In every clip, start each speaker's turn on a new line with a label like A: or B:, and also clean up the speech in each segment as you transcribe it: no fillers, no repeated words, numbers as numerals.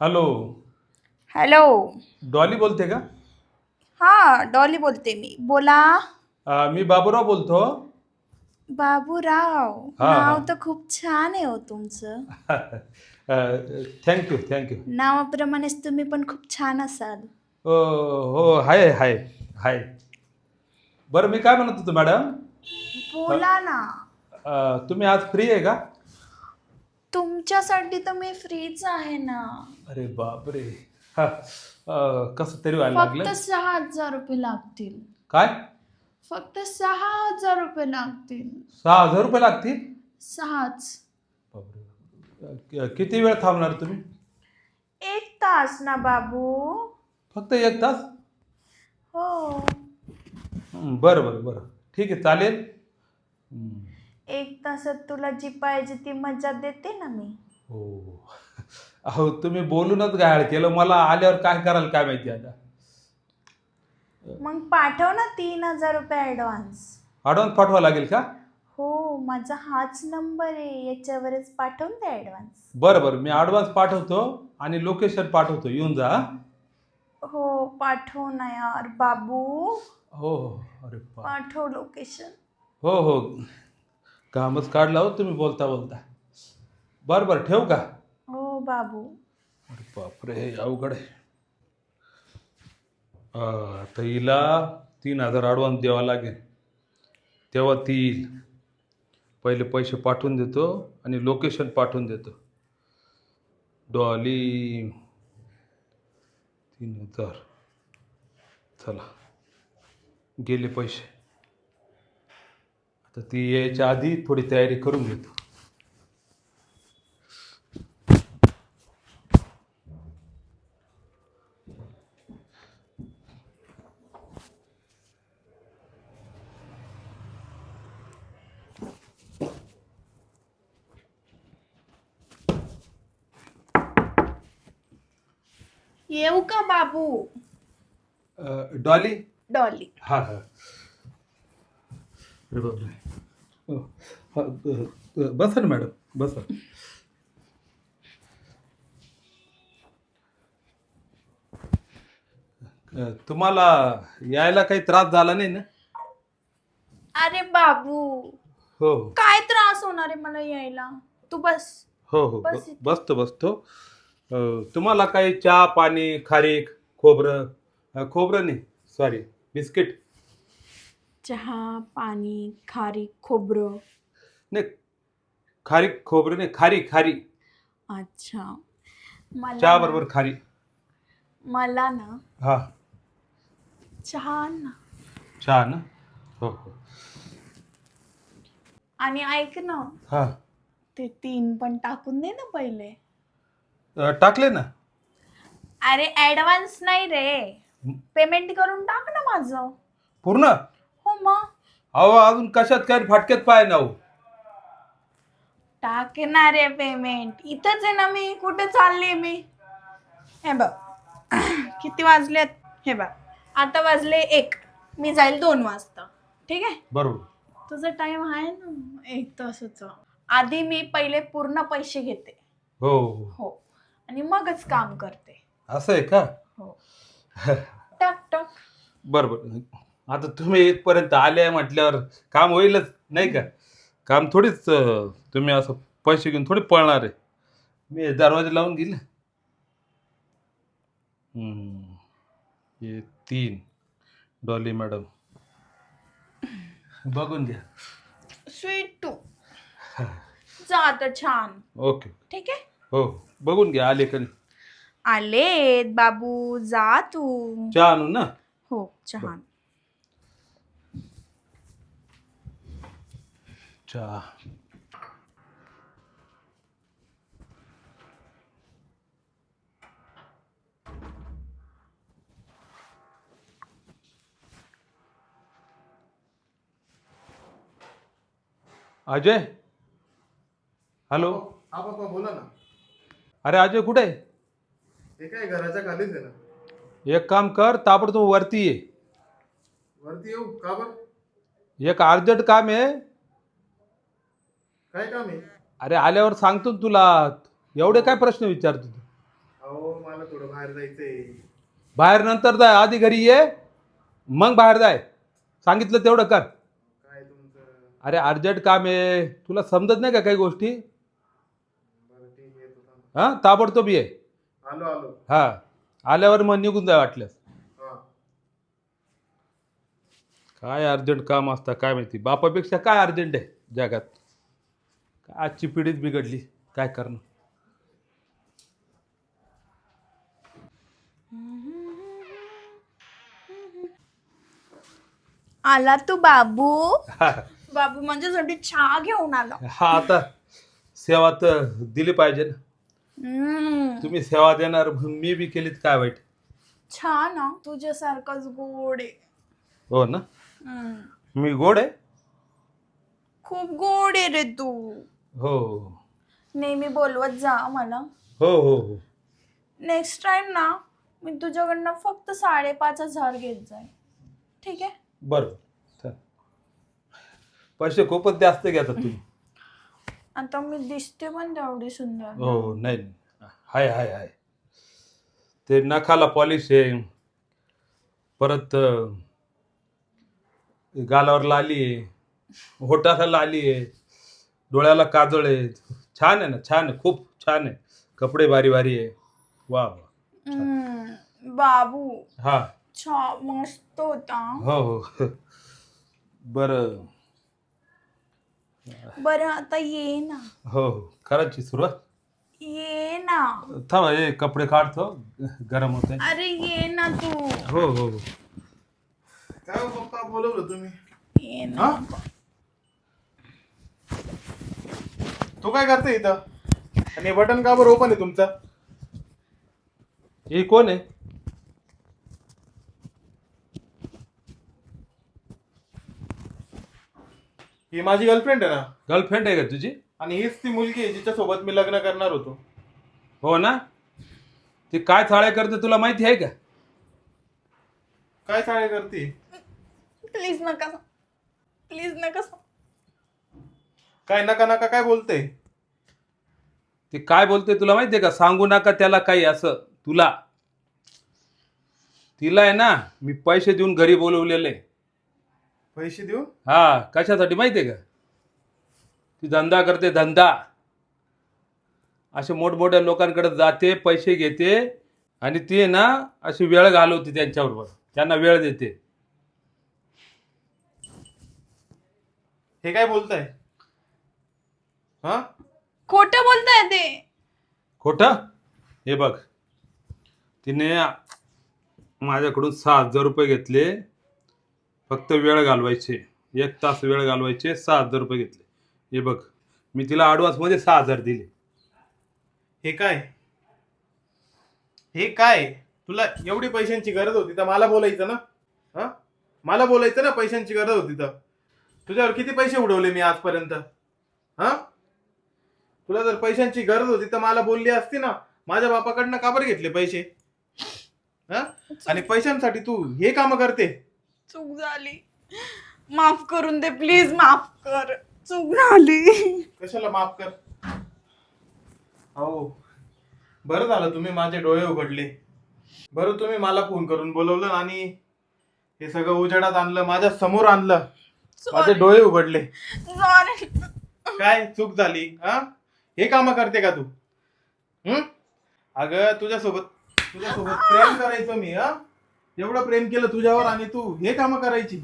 A: Hello.
B: Hello.
A: Dolly बोलते का?
B: हां, डॉली बोलते मी. बोला.
A: मी बाबूराव बोलतो.
B: बाबूराव.
A: हां हां.
B: नाव तर खूप छान आहे हो तुमचं.
A: Thank you thank you.
B: नावाप्रमाणेच तुम्ही पण खूप छान असाल.
A: हो, हाय हाय हाय. बरं, मी काय म्हणत होतो मॅडम,
B: बोला ना.
A: तुम्ही आज फ्री आहे का?
B: तुमच्यासाठी तर मी फ्रीच आहे ना.
A: अरे बापरे. हा, कसं तरी व्हायला
B: फक्त
A: लागलं.
B: 6,000 रुपये लागतील.
A: काय?
B: फक्त 6,000 रुपये लागतील.
A: 6,000 रुपये लागतील?
B: 6च.
A: बापरे. किती वेळ थांबणार तुम्ही?
B: 1 तास ना बाबू.
A: फक्त 1 तास?
B: हो.
A: बरं बरं बरं, ठीक आहे, चालेल.
B: 1 तासात तुला जी पाहिजे ती मजा देते ना मी.
A: हो. अहो, तुम्ही बोलूनच गायड केलं. मला आल्यावर काय कराल काय माहिती आता.
B: मग पाठव ना 3,000 रुपये ॲडव्हान्स.
A: ॲडव्हान्स पाठवा लागेल का?
B: हो, माझा हाच नंबर आहे, याच्यावरच पाठवून द्या ॲडव्हान्स.
A: बरं बरं, मी ॲडव्हान्स पाठवतो आणि लोकेशन पाठवतो, येऊन जा.
B: हो, पाठव ना यार बाबू.
A: हो हो. अरे
B: पाठव लोकेशन.
A: हो हो. कामच काढला हो तुम्ही बोलता बोलता. बरं बरं, ठेवू का?
B: हो बाबू.
A: अरे बापरे, हे अवघड आहे. आता हिला 3,000 ॲडव्हान्स द्यावा लागेल, तेव्हा ती येईल. पहिले पैसे पाठवून देतो आणि लोकेशन पाठवून देतो. डॉली 3,000. चला, गेले पैसे. आता ती यायच्या आधी थोडी तयारी करून घेतो.
B: येऊ का बाबू?
A: डॉली.
B: डॉली.
A: हां हां. अरे बापरे. हो. हा, बसा ना मॅडम, बसा. तुम्हाला यायला काही त्रास झाला नाही ना?
B: अरे बाबू,
A: हो
B: काय त्रास होणार आहे मला यायला? तू बस.
A: हो हो.
B: बस इथे.
A: बसतो बसतो. तुम्हाला काही चहा पाणी, खारीक, खोबरं, खोबरं नाही, सॉरी, बिस्किट.
B: चहा, पाणी, खारीक, खोबरं.
A: नाही, खारीक खोबरं नाही, खारी खारी.
B: अच्छा. मला
A: चहा
B: ना
A: बरोबर खारी.
B: मला ना
A: हां.
B: चहा आण ना.
A: चहा ना. हो हो.
B: आणि ऐक ना,
A: हां.
B: ते 3 पण टाकून दे ना पहिले.
A: टाकले ना.
B: अरे ॲडव्हान्स नाही रे, पेमेंट करून टाक ना माझं.
A: पूर्ण.
B: हो मग.
A: अहो, अजून कशात काय फाटक्यात पाय ना हो.
B: टाकणार आहे पेमेंट. इथंच आहे ना मी, कुठे चालले मी? हे बघ. किती वाजलेत? हे बघ, आता वाजले 1. मी जाईल 2 वाजता. ठीक आहे?
A: बरोबर.
B: तुझा टाइम आहे ना 1 तासाचा. आधी मी पहिले पूर्ण पैसे घेते.
A: हो हो.
B: हो. आणि मगच काम करते.
A: असं आहे का?
B: हो. टाक टाक.
A: बरं बरं. आता तुम्ही इथपर्यंत आले म्हटल्यावर काम होईलच नाही का? काम थोडीच तुम्ही असं पैसे घेऊन थोडी पळणार आहे. मी दरवाजा लावून गेले. हे 3 डॉली मॅडम बघून घ्या.
B: Sweet too. जा आता छान.
A: ओके.
B: ठीक आहे?
A: हो, बघून घ्या आले का नाही.
B: आलेत बाबू, जा तू.
A: चहा आणू ना.
B: हो, चहा.
A: चहा. अजय. हॅलो.
C: हा पप्पा बोला ना.
A: अरे अजय, कुठे आहे?
C: ते काय घराच्या खालीच आहे ना.
A: एक काम कर, ताबडतोब वरती ये.
C: वरती येऊ का बरं?
A: एक अर्जंट काम आहे.
C: काय काम आहे?
A: अरे आल्यावर सांगतो ना तुला. एवढे काय प्रश्न विचारतो तू?
C: अहो मला थोडं बाहेर जायचंय.
A: बाहेर नंतर जाय, आधी घरी ये, मग बाहेर जाय. सांगितलं तेवढं कर.
C: काय तुमचं?
A: अरे अर्जंट काम आहे, तुला समजत नाही का काही गोष्टी?
C: बरं ठीक आहे, येतो थांब.
A: हा, ताबडतोब ये.
C: आलो आलो.
A: हा, आल्यावर मग निघून जाय वाटल्यास.
C: हा.
A: काय अर्जंट काम असतं काय माहिती, बापापेक्षा काय अर्जंट आहे जगात. काय आजची पिढीच बिघडली, काय करणं.
B: आला तू बाबू.
A: हा,
B: बाबू माझ्यासाठी चहा घेऊन आला.
A: हा, आता सेवा तर दिली पाहिजे ना. तुम्ही सेवा देणार मग मी बी केलीत काय वाईट.
B: छान ना, तुझ्यासारखाच गोड आहे.
A: हो ना,
B: हम्म.
A: मी गोड आहे.
B: खूप गोड आहे रे तू.
A: हो
B: नेहमी बोलवत जा मला.
A: हो हो हो.
B: नेक्स्ट टाइम ना मी तुझ्याकडनं फक्त 5,500 घेत जाईल. ठीक आहे.
A: बरं, चल. पैसे खूपच जास्त घेतात तुम्ही.
B: आता मी दिसते पण तेवढी सुंदर.
A: हो नाही नाही. हाय हाय हाय. ते नखाला पॉलिश आहे, परत गालावर लाली आहे, होटाला लाली आहे, डोळ्याला काजळ आहे. छान आहे ना, छान आहे, खूप छान आहे. कपडे भारी भारी आहे. वा वा.
B: बाबू
A: हा.
B: मस्त होता.
A: हो हो. बरं.
B: बरं आता ये ना.
A: हो हो, करायची सुरुवात.
B: ये ना.
A: थांबा, हे कपडे काढतो, गरम होते.
B: अरे ये ना तू.
A: हो हो हो.
C: काय हो पप्पा, बोलवलं तुम्ही?
B: ये ना.
C: हा? तू काय करते इथं? आणि बटन का बरं ओपन आहे तुमचं?
A: हे कोण आहे?
C: ही माझी गर्लफ्रेंड आहे ना.
A: गर्लफ्रेंड आहे का तुझी?
C: आणि हीच ती मुलगी आहे जिच्या सोबत मी लग्न करणार होतो.
A: हो ना. ती काय चाळे करते तुला माहिती आहे का?
C: काय चाळे करते?
B: प्लीज नका. प्लीज नका.
C: काय नका नका काय बोलते?
A: ती काय बोलते तुला माहिती आहे का? सांगू नका त्याला काही असं तुला. तिला आहे ना मी पैसे देऊन घरी बोलवलेले.
C: पैसे देऊ?
A: हा, कशासाठी माहिती आहे का? ती धंदा करते, धंदा. असे मोठमोठ्या लोकांकडे जाते, पैसे घेते आणि ती आहे ना अशी वेळ घालवते त्यांच्याबरोबर, त्यांना वेळ देते.
C: हे काय बोलताय? हा?
B: खोटं बोलताय ते.
A: खोटं? हे बघ, तिने माझ्याकडून 6,000 रुपये घेतले, फक्त वेळ घालवायचे. 1 तास वेळ घालवायचे, 6,000 रुपये घेतले. हे बघ, मी तिला ॲडव्हान्समध्ये 6,000 दिले.
C: हे काय? हे काय? तुला एवढी पैशांची गरज होती तर मला बोलायचं ना. हा, मला बोलायचं ना, पैशांची गरज होती तर. तुझ्यावर किती पैसे उडवले मी आजपर्यंत? हा, तुला जर पैशांची गरज होती तर मला बोलली असती ना. माझ्या बापाकडनं का बरं घेतले पैसे? हा, आणि पैशांसाठी तू हे काम करते?
B: चूक झाली, माफ करून दे प्लीज. माफ कर, चूक झाली.
C: कशाला माफ कर? हो, बरं झालं तुम्ही माझे डोळे उघडले. बरं तुम्ही मला फोन करून बोलवलं आणि हे सगळं उजेडात आणलं, माझ्या समोर आणलं, माझे डोळे उघडले.
B: सॉरी.
C: काय चूक झाली? हा, हे काम करते का तू? अगं तुझ्यासोबत प्रेम करायचं मी. हा, एवढं प्रेम केलं तुझ्यावर आणि तू हे काम करायची?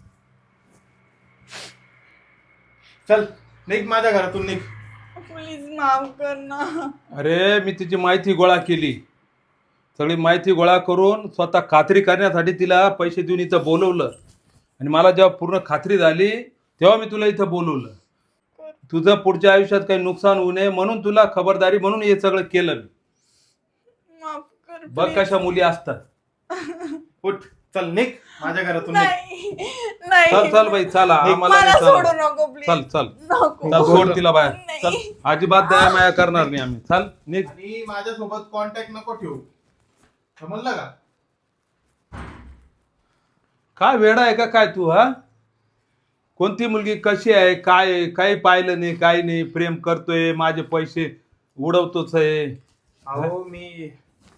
C: चल निघ माझ्या घरातून, निघ.
B: प्लीज माफ कर ना.
A: अरे मी तिची माहिती गोळा केली, सगळी माहिती गोळा करून स्वतः खात्री करण्यासाठी तिला पैसे देऊन इथं बोलवलं. आणि मला जेव्हा पूर्ण खात्री झाली तेव्हा मी तुला इथं बोलवलं. तुझं पुढच्या आयुष्यात काही नुकसान होऊ नये म्हणून तुला खबरदारी म्हणून हे सगळं केलं मी.
B: माफ कर.
A: बघ कशा मुली असतात.
C: उठ, चल निघ माझ्या घरातून, निघ.
B: नाही
A: चल चल बाई, चला आम्हाला
B: मला
A: नाही
B: सोडू
A: चालत.
B: नको प्लीज.
A: चल चल
B: नको.
A: चल, सोड तिला बाहेर.
B: नाही.
A: चल, अजिबात दया माया करणार नाही आम्ही. चल निघ.
C: आणि माझ्यासोबत कॉन्टॅक्ट नको ठेवू, समजलं का?
A: काय वेडा आहे का काय तू? हा, कोणती मुलगी कशी आहे, काय आहे, काही पाहिलं नाही, काही नाही, प्रेम करतोय, माझे पैसे उडवतोच आहे.
C: अहो मी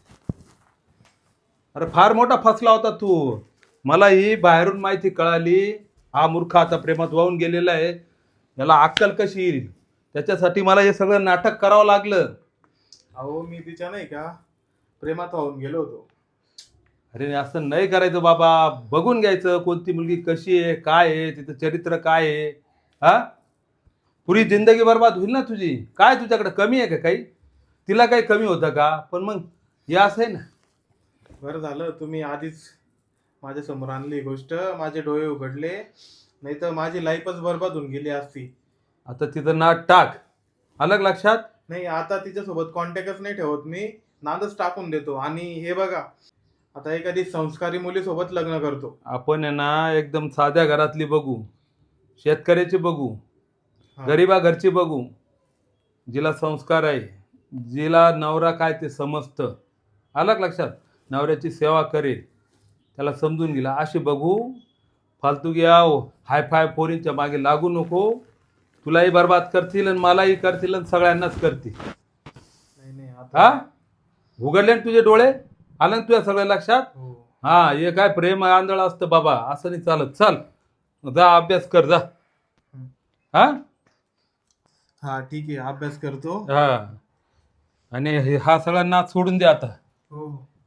A: अरे फार मोठा फसला होता तू. मला ही बाहेरून माहिती कळाली, हा मूर्ख आता प्रेमात वाहून गेलेला आहे, याला अक्कल कशी येईल, त्याच्यासाठी मला हे सगळं नाटक करावं लागलं.
C: अहो मी तिच्या नाही का प्रेमात वाहून गेलो होतो.
A: अरे असं नाही करायचं बाबा, बघून घ्यायचं कोणती मुलगी कशी आहे, काय आहे, तिचं चरित्र काय आहे. हा, पुरी जिंदगी बर्बाद होईल ना तुझी. काय तुझ्याकडे कमी आहे का काही? तिला काही कमी होतं का? पण मग हे असं आहे ना.
C: बरं झालं तुम्ही आधीच माझ्या समोर आणली ही गोष्ट, माझे डोळे उघडले, नाही तर माझी लाईफच बर्बाद होऊन गेली असती.
A: आता तिथं नाट टाक, अलग लक्षात.
C: नाही आता तिच्यासोबत कॉन्टॅक्टच नाही ठेवत मी, नादच टाकून देतो. आणि हे बघा, आता एखादी संस्कारी मुलीसोबत लग्न करतो.
A: आपण आहे ना एकदम साध्या घरातली बघू, शेतकऱ्याची बघू,
C: हा.
A: गरिबा घरची बघू, जिला संस्कार आहे, जिला नवरा काय ते समजतं, अलग लक्षात, नवऱ्याची सेवा करेल, त्याला समजून गेला, अशी बघू. फालतू घ्या हायफाय पोरींच्या मागे लागू नको. तुलाही बर्बाद करतील आणि मलाही करतील आणि सगळ्यांनाच करतील.
C: नाही नाही
A: हा,
C: आता
A: उघडले ना तुझे डोळे, आलं ना तुझ्या सगळ्या लक्षात.
C: हो.
A: हा, हे काय प्रेम आंधळ असतं बाबा, असं नाही चालत. चल जा अभ्यास कर जा. हा
C: हा ठीक आहे, अभ्यास करतो.
A: हा, आणि हा सगळा नाच सोडून दे आता.
C: हो.